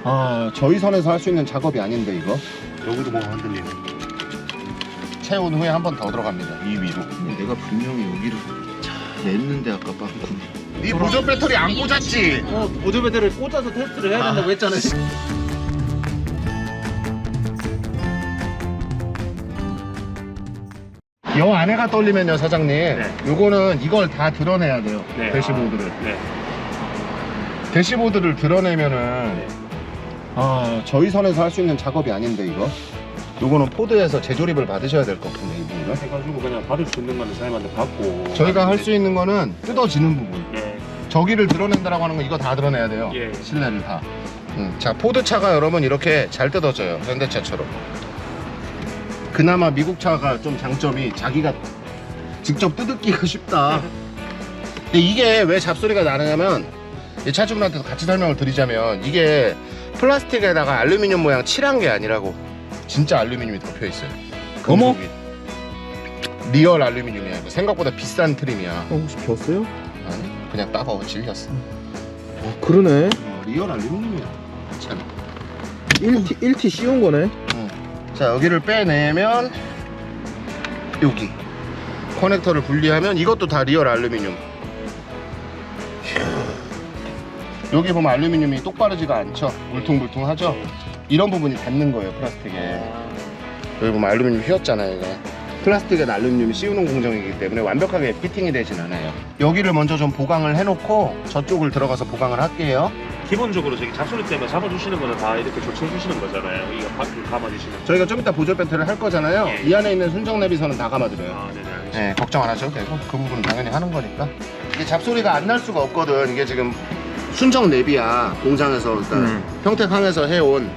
아, 저희 선에서 할 수 있는 작업이 아닌데 이거 여기도 뭐가 흔들리네. 채운 후에 한 번 더 들어갑니다. 이 위로. 내가 분명히 여기를 냈는데 아까 빵꾸. 네 보조 배터리 안 꽂았지? 보조 배터리를 꽂아서 테스트를 해야 된다고 했잖아요. 여 안에가 떨리면요 사장님, 네. 요거는 이걸 다 드러내야 돼요. 네. 대시보드를. 네. 대시보드를 드러내면은 네. 아, 저희 선에서 할 수 있는 작업이 아닌데 이거. 요거는 포드에서 재조립을 받으셔야 될 것 같은데 이 부분은. 해가지고 그냥 받을 수 있는 거는 사장님한테 받고. 저희가 할 수 있는 거는 뜯어지는 부분. 네. 저기를 드러낸다라고 하는 거 이거 다 드러내야 돼요. 예. 실내를 다. 자, 포드 차가 여러분 이렇게 잘 뜯어져요. 현대차처럼. 그나마 미국 차가 좀 장점이 자기가 직접 뜯기가 쉽다. 근데 이게 왜 잡소리가 나느냐면 이 차주분한테도 같이 설명을 드리자면 이게 플라스틱에다가 알루미늄 모양 칠한 게 아니라고 진짜 알루미늄이 덮여 있어요. 어머? 금속이. 리얼 알루미늄이야. 이거 생각보다 비싼 트림이야. 혹시 겼어요? 아니, 그냥 따가워 질렸어. 그러네. 리얼 알루미늄이야. 참. 1T 씌운 거네. 자, 여기를 빼내면 여기 커넥터를 분리하면 이것도 다 리얼 알루미늄. 여기 보면 알루미늄이 똑바르지가 않죠. 울퉁불퉁하죠. 이런 부분이 닿는 거예요, 플라스틱에. 여기 보면 알루미늄 휘었잖아요. 이거 플라스틱에 알루미늄 씌우는 공정이기 때문에 완벽하게 피팅이 되진 않아요. 여기를 먼저 좀 보강을 해놓고 저쪽을 들어가서 보강을 할게요. 기본적으로 저기 잡소리 때문에 잡아주시는 거는 다 이렇게 조치해주시는 거잖아요. 이거 바퀴를 감아주시는 거. 저희가 좀 이따 보조 배터리를 할 거잖아요. 예. 이 안에 있는 순정 내비선은 다 감아드려요. 아, 네네, 알겠습니다. 네, 걱정 안 하셔도 되고 그 부분은 당연히 하는 거니까. 이게 잡소리가 안 날 수가 없거든. 이게 지금 순정 내비야. 공장에서 그러니까 평택항에서 해온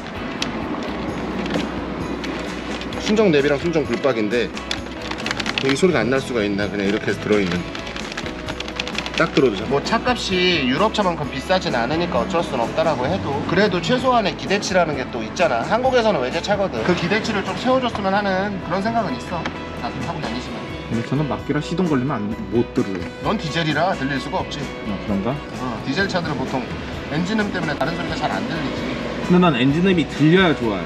순정 내비랑 순정 불박인데 이 소리가 안 날 수가 있나. 그냥 이렇게 해서 들어있는. 딱 들어도 뭐 차값이 유럽차만큼 비싸진 않으니까 어쩔 수는 없다라고 해도 그래도 최소한의 기대치라는 게 또 있잖아. 한국에서는 외제차거든. 그 기대치를 좀 세워줬으면 하는 그런 생각은 있어. 나도 타고 다니시면. 근데 저는 막기라 시동 걸리면 못 들어요. 넌 디젤이라 들릴 수가 없지. 그런가? 디젤 차들은 보통 엔진음 때문에 다른 소리가 잘 안 들리지. 근데 난 엔진음이 들려야 좋아요.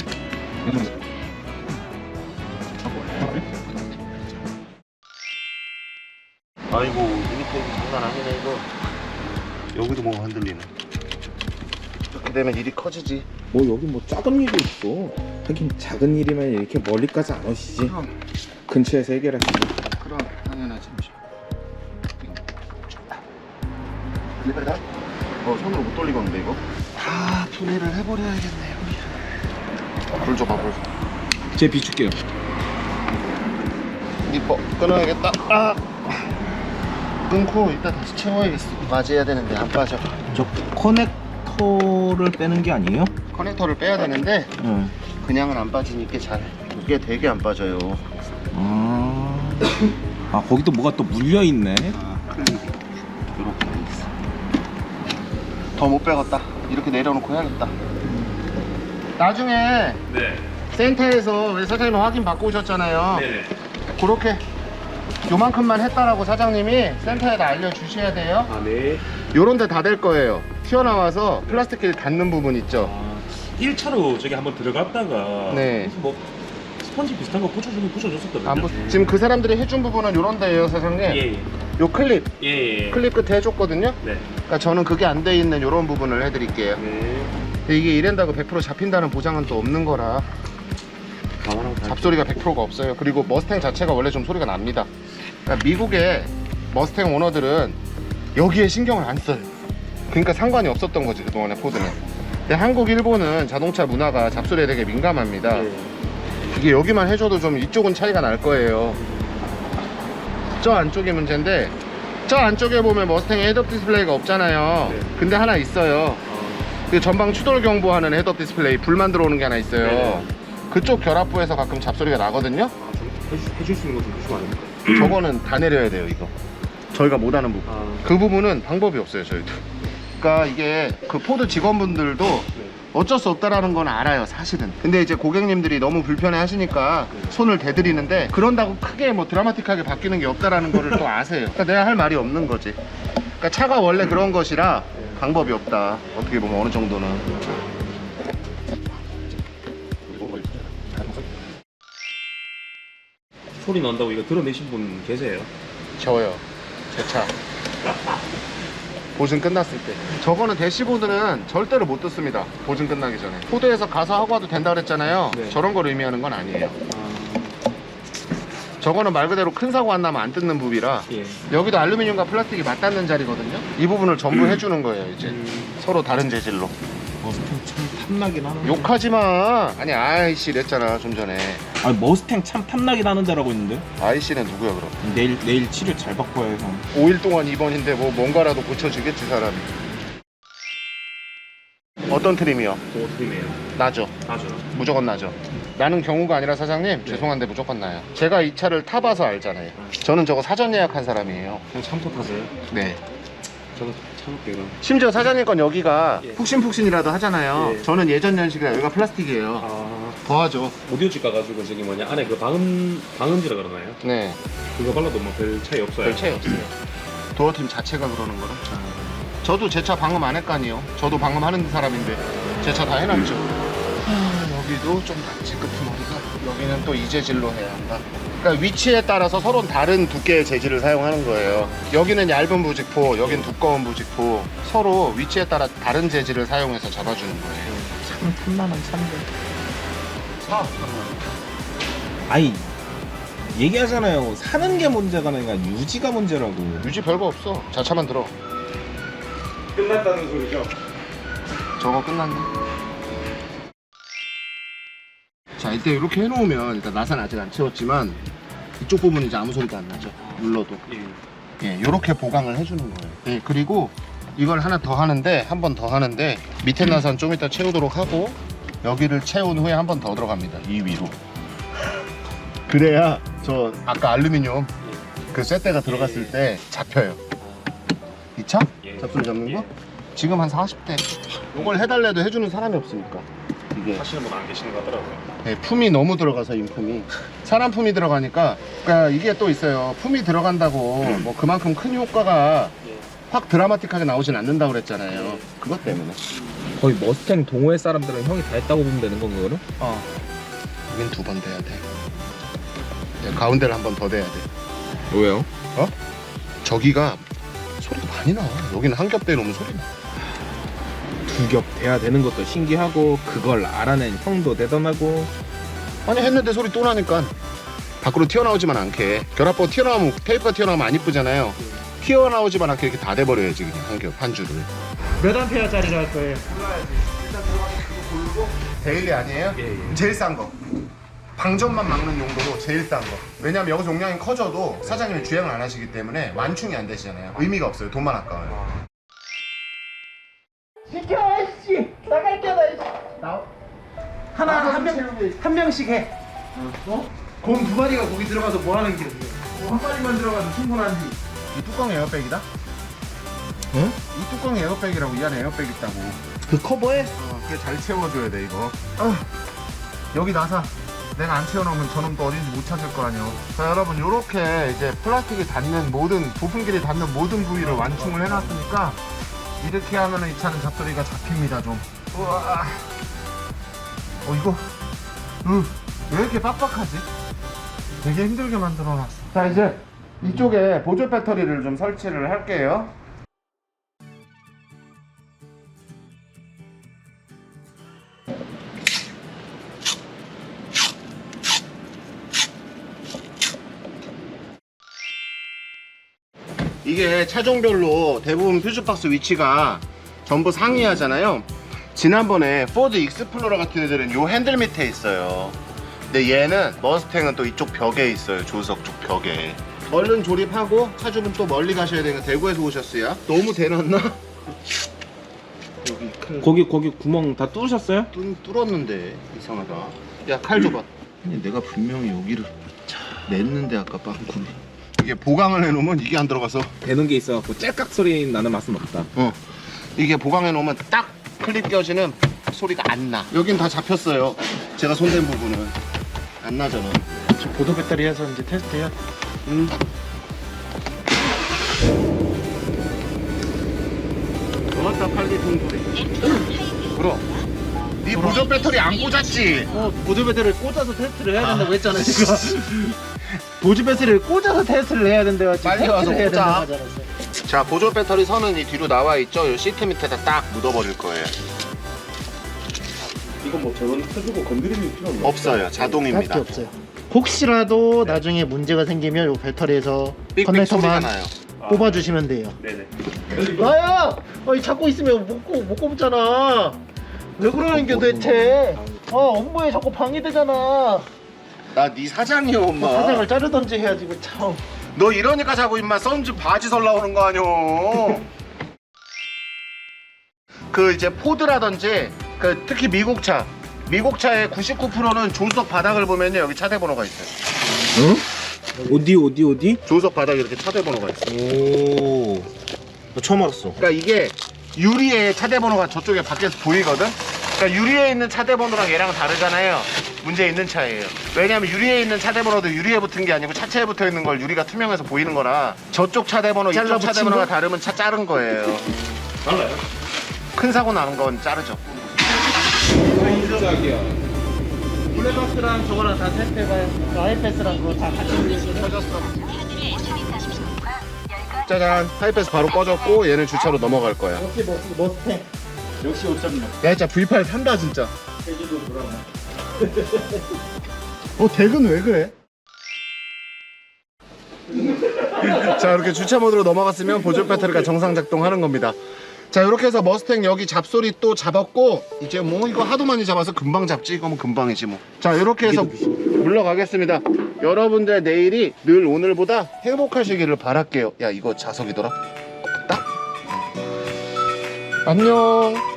아이고 유니폼 장난 아니네 이거. 여기도 뭐가 흔들리네. 이렇게 되면 일이 커지지. 뭐 여기 뭐 작은 일이 있어. 하긴 작은 일이면 이렇게 멀리까지 안 오시지. 근처에서 해결하시지. 그럼 당연하지. 리버다? 손으로 못 돌리겠는데 이거? 아, 분해를 해버려야겠네요. 불 줘봐, 불. 제 비출게요. 니퍼 끊어야겠다. 아, 끊고 이따 다시 채워야겠어. 맞아야 되는데 안 빠져. 저 커넥터를 빼는 게 아니에요? 커넥터를 빼야 되는데 응. 그냥은 안 빠지니까 잘. 이게 되게 안 빠져요. 아 거기도 뭐가 또 물려 있네. 클립이 이렇게 돼 있어. 더 못 빼겠다. 이렇게 내려놓고 해야겠다. 나중에 네. 센터에서 왜 사장님 확인 받고 오셨잖아요. 네네. 그렇게 요만큼만 했다라고 사장님이 센터에다 알려주셔야 돼요. 아, 네. 요런 데 다 될 거예요. 튀어나와서 플라스틱 길 닿는 부분 있죠. 아, 1차로 저기 한번 들어갔다가 네. 무슨 뭐 스펀지 비슷한 거 붙여줬었거든요. 지금 그 사람들이 해준 부분은 요런 데예요, 사장님. 예. 요 클립, 예. 클립 끝에 해줬거든요. 네. 그러니까 저는 그게 안 돼 있는 요런 부분을 해드릴게요. 네. 근데 이게 이랜다고 100% 잡힌다는 보장은 또 없는 거라 잡소리가 100%가 없어요. 그리고 머스탱 자체가 원래 좀 소리가 납니다. 그러니까 미국의 머스탱 오너들은 여기에 신경을 안 써요. 그러니까 상관이 없었던 거지 그동안에 포드는. 근데 한국, 일본은 자동차 문화가 잡소리에 되게 민감합니다. 네. 이게 여기만 해줘도 좀 이쪽은 차이가 날 거예요. 저 안쪽이 문제인데 저 안쪽에 보면 머스탱 헤드업 디스플레이가 없잖아요. 네. 근데 하나 있어요. 그 전방 추돌 경보하는 헤드업 디스플레이 불만 들어오는 게 하나 있어요. 네. 그쪽 결합부에서 가끔 잡소리가 나거든요. 해줄 수 있는 거 좀 주시면 안 됩니까? 저거는 다 내려야 돼요. 이거 저희가 못하는 부분. 그 부분은 방법이 없어요 저희도. 그러니까 이게 그 포드 직원분들도 네. 어쩔 수 없다라는 건 알아요 사실은. 근데 이제 고객님들이 너무 불편해 하시니까 손을 대드리는데 그런다고 크게 뭐 드라마틱하게 바뀌는 게 없다라는 거를 또 아세요. 그러니까 내가 할 말이 없는 거지. 그러니까 차가 원래 그런 것이라 방법이 없다. 어떻게 보면 어느 정도는. 소리 난다고 이거 들어내신 분 계세요? 저요. 제 차. 보증 끝났을 때. 저거는 대시보드는 절대로 못 듣습니다. 보증 끝나기 전에. 포드에서 가서 하고 와도 된다 그랬잖아요. 네. 저런 걸 의미하는 건 아니에요. 저거는 말 그대로 큰 사고 안 나면 안 뜯는 부비라 예. 여기도 알루미늄과 플라스틱이 맞닿는 자리거든요. 이 부분을 전부 해주는 거예요. 이제 서로 다른 재질로. 머스탱 참 탐나긴 하는데. 욕하지 마. 아니 아이씨 이랬잖아 좀 전에. 아니 머스탱 참 탐나긴 하는 데라고 있는데. 아이씨는 누구야 그럼? 내일 치료 잘 받고 와요 형. 5일 동안 입원인데 뭐 뭔가라도 고쳐지겠지 사람이. 어떤 트림이요? 그거 드림이에요. 나죠. 나죠. 무조건 나죠. 나는 경우가 아니라 사장님 죄송한데 무조건 나요. 제가 이 차를 타봐서 알잖아요. 저는 저거 사전 예약한 사람이에요. 형 참토 타세요? 네. 저는 참을게요. 그럼. 심지어 사장님 건 여기가 예. 푹신푹신이라도 하잖아요. 예. 저는 예전 연식이라 여기가 플라스틱이에요. 아, 더하죠. 오디오집 가가지고 저기 뭐냐 안에 그 방음지라 그러나요? 네. 그거 발라도 뭐 별 차이 없어요. 별 차이 없어요. 도어팀 자체가 그러는 거라. 저도 제 차 방음 안 했거니요. 저도 방음하는 사람인데 제 차 다 해놨죠. 여기도 좀 낫지 끄트머리가. 여기는 또 이 재질로 해야 한다. 그러니까 위치에 따라서 서로 다른 두께의 재질을 사용하는 거예요. 여기는 얇은 부직포, 여긴 두꺼운 부직포. 서로 위치에 따라 다른 재질을 사용해서 잡아주는 거예요. 참 탐나는 차인데. 사. 아이 얘기하잖아요. 사는 게 문제가 아니라 유지가 문제라고. 유지 별거 없어. 자차만 들어. 끝났다는 소리죠? 저거 끝났네. 자, 이때 이렇게 해놓으면 일단 나사는 아직 안 채웠지만 이쪽 부분은 이제 아무 소리도 안 나죠. 눌러도. 예. 예, 이렇게 보강을 해주는 거예요. 예, 그리고 이걸 하나 더 하는데 한 번 더 하는데 밑에 나사는 좀 이따 채우도록 하고 여기를 채운 후에 한 번 더 들어갑니다. 이 위로. 그래야 저 아까 알루미늄 그 쇠대가 들어갔을 때 잡혀요. 이 차? 예. 잡소리 잡는 거? 예. 지금 한 40대. 이걸 해달래도 해주는 사람이 없으니까. 이게 하시는 분 안 계시는 것 같더라고요. 네, 품이 너무 들어가서 인품이 사람 품이 들어가니까 그러니까 이게 또 있어요. 품이 들어간다고 뭐 그만큼 큰 효과가 예. 확 드라마틱하게 나오진 않는다고 그랬잖아요. 그것 때문에. 거의 머스탱 동호회 사람들은 형이 다 했다고 보면 되는 건가 그럼? 여긴 두 번 돼야 돼. 네, 가운데를 한 번 더 돼야 돼. 왜요? 저기가 소리가 많이 나. 여기는 한 겹 대놓으면 소리 나. 두 겹 돼야 되는 것도 신기하고 그걸 알아낸 형도 대단하고. 아니 했는데 소리 또 나니까 밖으로 튀어나오지만 않게. 결합부 튀어나오면 테이프가 튀어나오면 안 이쁘잖아요. 튀어나오지만 않게 이렇게 다 돼버려야지 그냥 한 겹, 한 줄을. 몇 암페어짜리로 할 거예요? 일단 들어가서 그거 고르고. 데일리 아니에요? 예. 제일 싼 거. 방전만 막는 용도로 제일 싼 거. 왜냐면 여기서 용량이 커져도 사장님이 주행을 안 하시기 때문에 완충이 안 되시잖아요. 의미가 없어요. 돈만 아까워요. 시켜 씨 나갈게 나 하나 한 명씩 해. 곰 두 마리가 거기 들어가서 뭐 하는 게 한 마리만 들어가도 충분한지. 이 뚜껑 에어백이다? 응? 이 뚜껑 에어백이라고. 이 안에 에어백 있다고. 그 커버에 그게 잘 채워줘야 돼 이거. 여기 나사 내가 안 채워놓으면 저놈 또 어딘지 못 찾을 거 아니에요. 자 여러분, 요렇게 이제 플라스틱이 닿는 모든 부품끼리 닿는 모든 부위를 완충을 해놨으니까 이렇게 하면은 이 차는 잡소리가 잡힙니다. 좀. 우와. 이거 왜 이렇게 빡빡하지? 되게 힘들게 만들어놨어. 자 이제 이쪽에 보조 배터리를 좀 설치를 할게요. 이게 차종별로 대부분 퓨즈박스 위치가 전부 상이하잖아요. 지난번에 포드 익스플로러 같은 애들은 요 핸들 밑에 있어요. 근데 얘는 머스탱은 또 이쪽 벽에 있어요. 조수석 쪽 벽에. 얼른 조립하고 차주분 또 멀리 가셔야 되니까 대구에서 오셨어요. 너무 대놨나? 여기 큰 거기 구멍 다 뚫으셨어요? 뚫었는데 이상하다. 야, 칼 줘봐. 아니, 내가 분명히 여기를 냈는데 아까 빵꾸를. 이게 보강을 해놓으면 이게 안 들어가서. 되는 게 있어갖고 짤깍 소리 나는 맛은 없다. 이게 보강해놓으면 딱 클립 껴지는 소리가 안 나. 여긴 다 잡혔어요. 제가 손댄 부분은 안 나잖아. 보조 배터리 해서 이제 테스트해요. 좋았다 팔리 동소리. 그럼 네 보조 배터리 안 꽂았지? 보조 배터리를 꽂아서 테스트를 해야 된다고 했잖아 지금. 보조 배터리를 꽂아서 테스트를 해야 된대요. 지금 빨리 와서 테스트를 해야 꽂아. 된다고 하잖아. 자, 보조 배터리 선은 이 뒤로 나와 있죠? 이 시트 밑에다 딱 묻어버릴 거예요. 이거 뭐 저런 해주고 건드리는 필요 없나? 없어요. 자동입니다. 딱히 없어요. 혹시라도 나중에 문제가 생기면 요 배터리에서 삑삑 소리가 커넥터만 나요. 뽑아주시면 돼요. 네네. 나야! 잡고 있으면 못 꼽잖아. 왜 그러는 게 대체? 업무에 자꾸 방해되잖아. 나 네 사장이야, 엄마. 사장을 자르던지 해야지, 그 참. 너 이러니까 자꾸 임마 썬즈 바지 설 나오는 거 아니오. 그 이제 포드라든지 그 특히 미국 차의 99%는 조수석 바닥을 보면요 여기 차대 번호가 있어요. 응? 어디? 조수석 바닥에 이렇게 차대 번호가 있어요. 오. 나 처음 알았어. 그러니까 이게 유리에 차대 번호가 저쪽에 밖에서 보이거든. 그러니까 유리에 있는 차대 번호랑 얘랑 다르잖아요. 문제 있는 차예요. 왜냐면 유리에 있는 차대 번호도 유리에 붙은 게 아니고 차체에 붙어 있는 걸 유리가 투명해서 보이는 거라 저쪽 차대 번호, 이쪽 잘라 차대 붙인 번호가 거? 다르면 차 자른 거예요. 달라요? 큰 사고 나는 건 자르죠. 짝이야. 블랙박스랑 저거랑 다 테스트해봐요. 아이패스랑 그거 다 같이 꺼졌어. 짜잔, 하이패스 바로 꺼졌고 얘는 주차로 넘어갈 거야. 역시 머스탱. 역시 5.6. 야 진짜 V8 산다 진짜. 제주도 돌아가. 덱은 왜 그래? 자, 이렇게 주차 모드로 넘어갔으면 보조 배터리가 정상 작동하는 겁니다. 자, 이렇게 해서 머스탱 여기 잡소리 또 잡았고 이제 뭐 이거 하도 많이 잡아서 금방 잡지. 이거면 금방이지 뭐. 자, 이렇게 해서 물러가겠습니다. 여러분들 내일이 늘 오늘보다 행복하시기를 바랄게요. 야, 이거 자석이더라. 딱. 안녕.